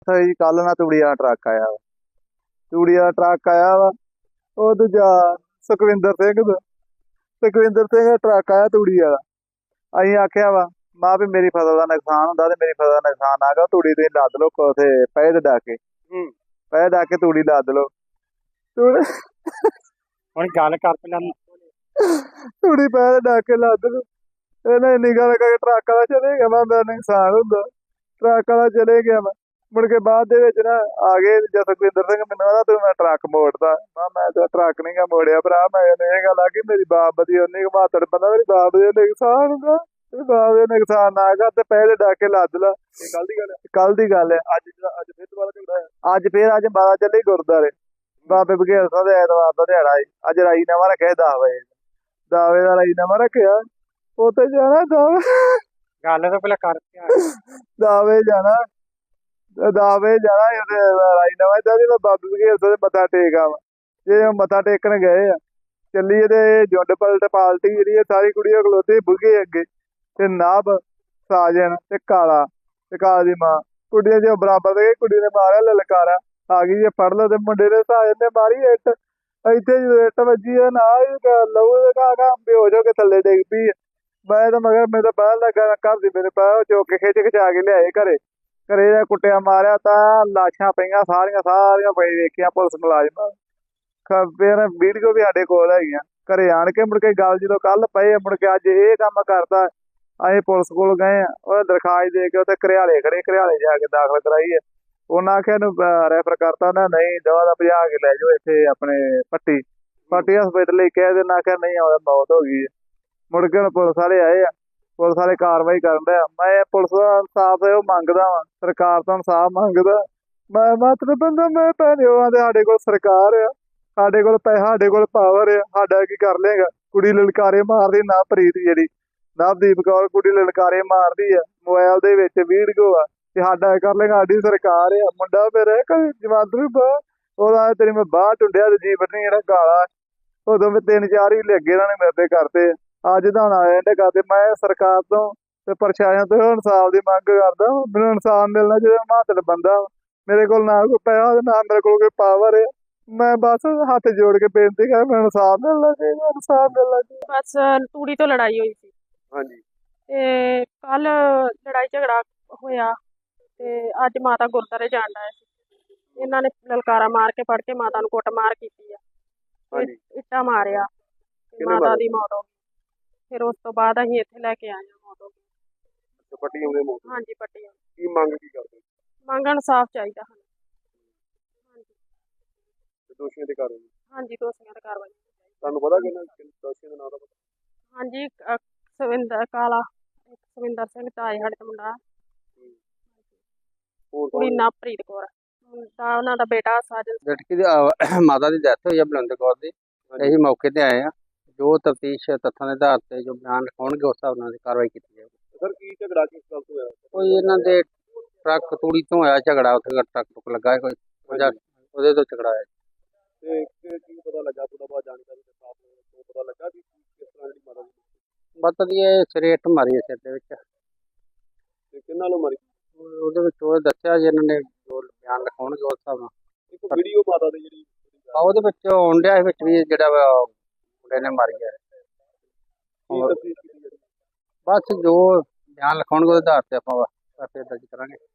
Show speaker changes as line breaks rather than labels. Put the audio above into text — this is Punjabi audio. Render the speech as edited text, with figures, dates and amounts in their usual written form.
ਜੀ ਕੱਲ ਨਾ ਤੂੜੀ ਵਾਲਾ ਟਰੱਕ ਆਇਆ ਵਾ। ਤੂੜੀ ਵਾਲਾ ਟਰੱਕ ਆਇਆ ਵਾ। ਉਹ ਦੂਜਾ ਸੁਖਵਿੰਦਰ ਸਿੰਘ ਦਾ ਸੁਖਵਿੰਦਰ ਸਿੰਘ ਦਾ ਟਰੱਕ ਆਇਆ ਤੂੜੀ ਵਾਲਾ। ਅਸੀਂ ਆਖਿਆ ਵਾ ਮਾਂ ਵੀ ਮੇਰੀ ਫਸਲ ਦਾ ਨੁਕਸਾਨ ਹੁੰਦਾ ਤੇ ਮੇਰੀ ਫਸਲ ਦਾ ਨੁਕਸਾਨ ਆ ਗਿਆ, ਤੂੜੀ ਤੁਸੀਂ ਲੱਦ ਲਓ ਉੱਥੇ ਪਏ ਤੇ ਡਾ ਕੇ ਪਏ ਡਾ ਕੇ ਤੂੜੀ ਲੱਦ ਲਓ।
ਹੁਣ ਗੱਲ ਕਰ ਪਹਿਲਾਂ
ਤੂੜੀ ਪਏ ਤੇ ਡਾ ਕੇ ਲੱਦ ਲਓ। ਇਹਨੇ ਇੰਨੀ ਗੱਲ ਕਰਕੇ ਟਰੱਕ ਵਾਲਾ ਚਲੇ ਗਿਆ। ਮੈਂ ਮੇਰਾ ਨੁਕਸਾਨ ਹੁੰਦਾ, ਟਰੱਕ ਵਾਲਾ ਚਲੇ ਗਿਆ। ਮੈਂ ਮੁੜ ਕੇ ਬਾਅਦ ਦੇ ਵਿੱਚ ਨਾ ਆ ਗਏ ਜਦ ਸੁਖਵਿੰਦਰ ਸਿੰਘ ਮੈਨੂੰ ਕਹਿੰਦਾ ਤੂੰ ਮੈਂ ਟਰੱਕ ਮੋੜਦਾ। ਮੈਂ ਤਾਂ ਟਰੱਕ ਨਹੀਂ ਗਾ ਮੋੜਿਆ ਭਰਾ। ਮੈਂ ਇਹ ਗੱਲ ਆ ਕਿ ਮੇਰੀ ਬਾਪ ਦੀ ਉਹਨੇ ਮਾਤੜ ਬੰਦਾ ਮੇਰੀ ਬਾਪ ਦੇ ਨੁਕਸਾਨ ਹੁੰਦਾ, ਬਾਪ ਦੇ ਨੁਕਸਾਨ ਨਾ ਕਰ ਤੇ ਪਹਿਲੇ ਡਾ ਕੇ ਲੱਦ ਲਾ।
ਇਹ ਗੱਲ ਦੀ ਗੱਲ ਹੈ।
ਕੱਲ ਦੀ ਗੱਲ ਹੈ। ਅੱਜ ਫਿਰ ਦੁਬਾਰਾ ਝਗੜਾ ਹੈ। ਅੱਜ ਮਾਤਾ ਚੱਲੀ ਗੁਰਦੁਆਰੇ ਬਾਬੇ ਬਘੇਲ ਸਿੰਘ ਦੇ ਐਤਵਾਰ ਦਾ ਦਿਹਾੜਾ ਸੀ। ਅੱਜ ਰਾਈ ਨਵਾਂ ਰੱਖਿਆ 10 ਵਜੇ 10 ਵਜੇ ਦਾ ਰਾਈ ਨਵਾਂ ਰੱਖਿਆ। ਉੱਥੇ ਜਾਣਾ
ਗੱਲ ਤਾਂ ਪਹਿਲਾਂ ਕਰ
ਦਾਵੇ ਜਾਣਾ ਰਾਈ ਨਵਾਂ ਚਾਹੀਦੀ। ਮੈਂ ਬਾਬੇ ਬਘੇਲ ਸਿੰਘ ਦੇ ਮੱਥਾ ਟੇਕ ਆਵਾਂ। ਜੇ ਉਹ ਮੱਥਾ ਟੇਕਣ ਗਏ ਆ ਚੱਲੀਏ ਤੇ ਜੁੰਡ ਪਲਟ ਪਾਲਟੀ ਜਿਹੜੀ ਹੈ ਸਾਰੀ ਕੁੜੀਆਂ ਖਲੋਤੀ ਬੁੱਗੇ ਅੱਗੇ ਤੇ ਨਾਭ ਸਾਜਨ ਤੇ ਕਾਲਾ ਤੇ ਕਾਲਾ ਦੀ ਮਾਂ ਕੁੜੀਆਂ ਜੇ ਬਰਾਬਰ ਦੇ ਕੁੜੀ ਨੇ ਮਾਰਿਆ ਲਲਕਾਰਾ ਆ ਗਈ। ਜੇ ਫੜ ਲਓ ਤੇ ਮੁੰਡੇ ਨੇ ਸਾਜਨ ਨੇ ਮਾਰੀ ਇੱਟ। ਇੱਥੇ ਜਦੋਂ ਇੱਟ ਵੱਜੀ ਆ ਨਾ ਲਹੂ ਦੇ ਘਾ ਬੇਹੋਸ਼ ਹੋ ਕੇ ਥੱਲੇ ਡਿੱਗ ਪਈ। ਮੈਂ ਤਾਂ ਮਗਰ ਮੇਰੇ ਤਾਂ ਬਾਹਰ ਲੱਗਾ ਘਰ ਦੀ ਮੇਰੇ ਪੈਰ ਚੁੱਕ ਕੇ ਖਿੱਚ ਖਿਚਾ ਕੇ ਲਿਆਏ ਘਰੇ ਦਾ ਕੁੱਟਿਆ ਮਾਰਿਆ ਤਾਂ ਲਾਸ਼ਾਂ ਪਈਆਂ ਸਾਰੀਆਂ ਪਈ ਵੇਖੀਆਂ ਪੁਲਿਸ ਮੁਲਾਜ਼ਮਾਂ। ਫਿਰ ਵੀਡੀਓ ਵੀ ਸਾਡੇ ਕੋਲ ਹੈਗੀਆਂ। ਘਰੇ ਆਣ ਕੇ ਮੁੜ ਕੇ ਗੱਲ ਜਦੋਂ ਕੱਲ ਪਏ ਮੁੜ ਕੇ ਅੱਜ ਇਹ ਕੰਮ ਕਰਦਾ। ਅਸੀਂ ਪੁਲਿਸ ਕੋਲ ਗਏ ਆ, ਉਹ ਦਰਖਾਸਤ ਦੇ ਕੇ ਉੱਥੇ ਘਰਿਆਲੇ ਖੜੇ, ਘਰਿਆਲੇ ਜਾ ਕੇ ਦਾਖਲ ਕਰਾਈ ਹੈ। ਉਹਨਾਂ ਆਖਿਆ ਇਹਨੂੰ ਰੈਫਰ ਕਰਤਾ ਨਾ, ਨਹੀਂ ਦਵਾ ਦਾ ਭਜਾ ਕੇ ਲੈ ਜਾਓ ਇੱਥੇ ਆਪਣੇ ਪੱਟੀ ਹਸਪੀਟਲ ਲਈ ਕਹਿ ਦੇਣਾ। ਆਖਿਆ ਨਹੀਂ ਆਉਂਦਾ ਮੌਤ ਹੋ ਗਈ ਹੈ। ਮੁੜ ਕੇ ਹੁਣ ਪੁਲਿਸ ਵਾਲੇ ਆਏ ਆ, ਪੁਲਿਸ ਵਾਲੇ ਕਾਰਵਾਈ ਕਰਨ ਡਿਆ। ਮੈਂ ਪੁਲਿਸ ਦਾ ਇਨਸਾਫ ਉਹ ਮੰਗਦਾ ਵਾਂ, ਸਰਕਾਰ ਤੋਂ ਇਨਸਾਫ ਮੰਗਦਾ। ਮੈਂ ਮਾਤਰ ਬੰਦਾ ਮੈਂ ਭੈਣੇ ਤੇ ਸਾਡੇ ਕੋਲ ਸਰਕਾਰ ਆ, ਸਾਡੇ ਕੋਲ ਪੈਸਾ, ਸਾਡੇ ਕੋਲ ਪਾਵਰ ਆ, ਸਾਡਾ ਕੀ ਕਰ ਲੇਗਾ। ਕੁੜੀ ਲਲਕਾਰੇ ਮਾਰਦੀ ਨਾ ਪ੍ਰੀਤ ਜਿਹੜੀ ਨਵਦੀਪ ਕੌਰ ਕੁੜੀ ਲਲਕਾਰੇ ਮਾਰਦੀ ਆ, ਮੋਬਾਈਲ ਦੇ ਵਿੱਚ ਵੀਡੀਓ ਆ ਤੇ ਸਾਡਾ ਕਰ ਲੇਗਾ। ਸਾਡੀ ਸਰਕਾਰ ਆ। ਮੁੰਡਾ ਮੇਰਾ ਜਮਾਂਦਰੂ ਬਾਹ ਉਹਦਾ ਤੇਰੀ ਮੈਂ ਬਾਂਹ ਟੁੰਡਿਆ ਤੇ ਜੀਵਨ ਨਹੀਂ ਜਿਹੜਾ ਗਾਲਾ ਉਦੋਂ ਮੈਂ 3-4 ਹੀ ਲੱਗੇ ਇਹਨਾਂ ਨੇ ਮੇਰੇ ਤੇ ਕਰਤੇ। ਅੱਜ ਤਾਂ ਹੁਣ ਆਏ ਨੇ ਕਰਦੇ। ਮੈਂ ਸਰਕਾਰ ਤੋਂ ਤੇ ਪ੍ਰਸ਼ਾਸਨ ਤੋਂ ਇਨਸਾਫ ਦੀ ਮੰਗ ਕਰਦਾ। ਮੈਨੂੰ ਇਨਸਾਫ ਮਿਲਣਾ ਚਾਹੀਦਾ। ਮਾਤੜ ਬੰਦਾ ਮੇਰੇ ਕੋਲ ਨਾ ਕੋਈ ਪੈਸਾ ਤੇ ਨਾ ਮੇਰੇ ਕੋਲ ਕੋਈ ਪਾਵਰ ਹੈ। ਮੈਂ ਬਸ ਹੱਥ ਜੋੜ ਕੇ ਬੇਨਤੀ ਕਰ ਮੈਨੂੰ ਇਨਸਾਫ ਮਿਲਣਾ ਚਾਹੀਦਾ, ਇਨਸਾਫ ਮਿਲਣਾ ਚਾਹੀਦਾ।
ਬਸ ਤੂੜੀ ਤੋਂ ਲੜਾਈ ਹੋਈ ਸੀ
ਹਾਂਜੀ
ਤੇ ਕੱਲ ਲੜਾਈ ਝਗੜਾ ਹੋਇਆ ਤੇ ਅੱਜ ਮਾਤਾ ਗੁਰਦੁਆਰੇ ਜਾਣ ਆਏ ਸੀ। ਇਹਨਾਂ ਨੇ ਲਲਕਾਰਾ ਮਾਰ ਕੇ ਫੜ ਕੇ ਮਾਤਾ ਨੂੰ ਕੁੱਟਮਾਰ ਕੀਤੀ ਆ।
ਹਾਂਜੀ
ਇੱਟਾਂ ਮਾਰਿਆ ਤੇ ਮਾਤਾ ਦੀ ਮੌਤ ਹੋ ਗਈ। ਫਿਰ ਉਸ ਤੋਂ ਬਾਅਦ ਅਸੀਂ ਇੱਥੇ ਲੈ ਕੇ ਆਏ ਹਾਂ। ਮੌਤ ਹੋ ਗਈ।
ਪੱਟੀ ਆਉਂਦੇ ਮੌਤ
ਹਾਂਜੀ ਪੱਟੀ ਆ।
ਕੀ ਮੰਗ ਕੀ ਕਰਦੇ
ਮੰਗਣ ਇਨਸਾਫ ਚਾਹੀਦਾ ਸਾਨੂੰ। ਹਾਂਜੀ
ਦੋਸ਼ੀਆਂ ਦੇ ਕਾਰਨ
ਹਾਂਜੀ ਦੋਸ਼ੀਆਂ ਤੇ ਕਾਰਵਾਈ
ਤੁਹਾਨੂੰ ਪਤਾ ਕਿ ਦੋਸ਼ੀਆਂ ਦਾ ਨਾਮ ਦਾ ਪਤਾ?
ਹਾਂਜੀ ਸਵਿੰਦਰ ਕਾਲਾ ਸਵਿੰਦਰ ਸਿੰਘ ਤਾਏ ਸਾਡੇ ਦਾ ਮੁੰਡਾ
ਹੋਰ
ਕੁੜੀ ਨਵਪ੍ਰੀਤ ਕੌਰ ਮੁੰਡਾ ਉਹਨਾਂ ਦਾ ਬੇਟਾ ਸਾਜਨ।
ਲੜਕੀ ਦੀ ਮਾਤਾ ਦੀ ਡੈਥ ਹੋਈ ਹੈ ਬਲਵਿੰਦਰ ਕੌਰ ਦੀ। ਅਸੀਂ ਮੌਕੇ ਤੇ ਆਏ ਆ। ਜੋ ਤਫਤੀਸ਼ ਤੱਥਾਂ ਦੇ ਆਧਾਰ ਤੇ ਜੋ ਬਿਆਨ ਲਿਖਾਉਣਗੇ ਉਸ ਹਿਸਾਬ ਨਾਲ ਕਾਰਵਾਈ ਕੀਤੀ ਜਾਵੇਗੀ।
ਸਰ ਕੀ ਝਗੜਾ ਕਿਸ ਗੱਲ ਤੋਂ ਹੋਇਆ?
ਕੋਈ ਇਹਨਾਂ ਦੇ ਟਰੱਕ ਤੂੜੀ ਤੋਂ ਹੋਇਆ ਝਗੜਾ। ਉੱਥੇ ਟਰੱਕ ਲੱਗਾ ਕੋਈ ਉਹਦੇ ਤੋਂ ਝਗੜਾ ਹੋਇਆ।
ਤੇ ਕੀ ਪਤਾ ਲੱਗਾ ਥੋੜਾ ਬਹੁਤ ਜਾਣਕਾਰੀ ਦੇ ਸਾਥ ਨੂੰ ਪਤਾ ਲੱਗਾ ਕਿ ਕਿਸ ਤਰ੍ਹਾਂ ਦੀ ਮਾਤਾ ਦੀ
ਮਤਲਬ ਇਹ ਸਿਰੇ ਇੱਟ ਮਾਰੀ ਹੈ ਸਿਰ ਦੇ ਵਿੱਚ।
ਤੇ ਕਿੰਨਾਂ ਨੂੰ ਮਾਰੀ?
ਉਹਦੇ ਵਿੱਚ ਉਹ ਦੱਸਿਆ ਜੀ ਇਹਨਾਂ ਨੇ ਜੋ ਬਿਆਨ ਲਿਖਾਉਣਗੇ ਉਸ ਹਿਸਾਬ ਨਾਲ।
ਇੱਕ ਵੀਡੀਓ ਮਾਤਾ ਦੀ ਜਿਹੜੀ
ਉਹਦੇ ਵਿੱਚ ਆਉਣ ਡਿਆ ਵਿੱਚ ਵੀ ਜਿਹੜਾ ਮੁੰਡੇ ਨੇ ਮਾਰੀ ਹੈ।
ਕੀ ਤਫਤੀਸ਼ ਕੀਤੀ ਜਾਂਦੀ?
ਬਸ ਜੋ ਬਿਆਨ ਲਿਖਾਉਣਗੇ ਉਹਦੇ ਆਧਾਰ ਤੇ ਆਪਾਂ ਦਰਜ ਕਰਾਂਗੇ।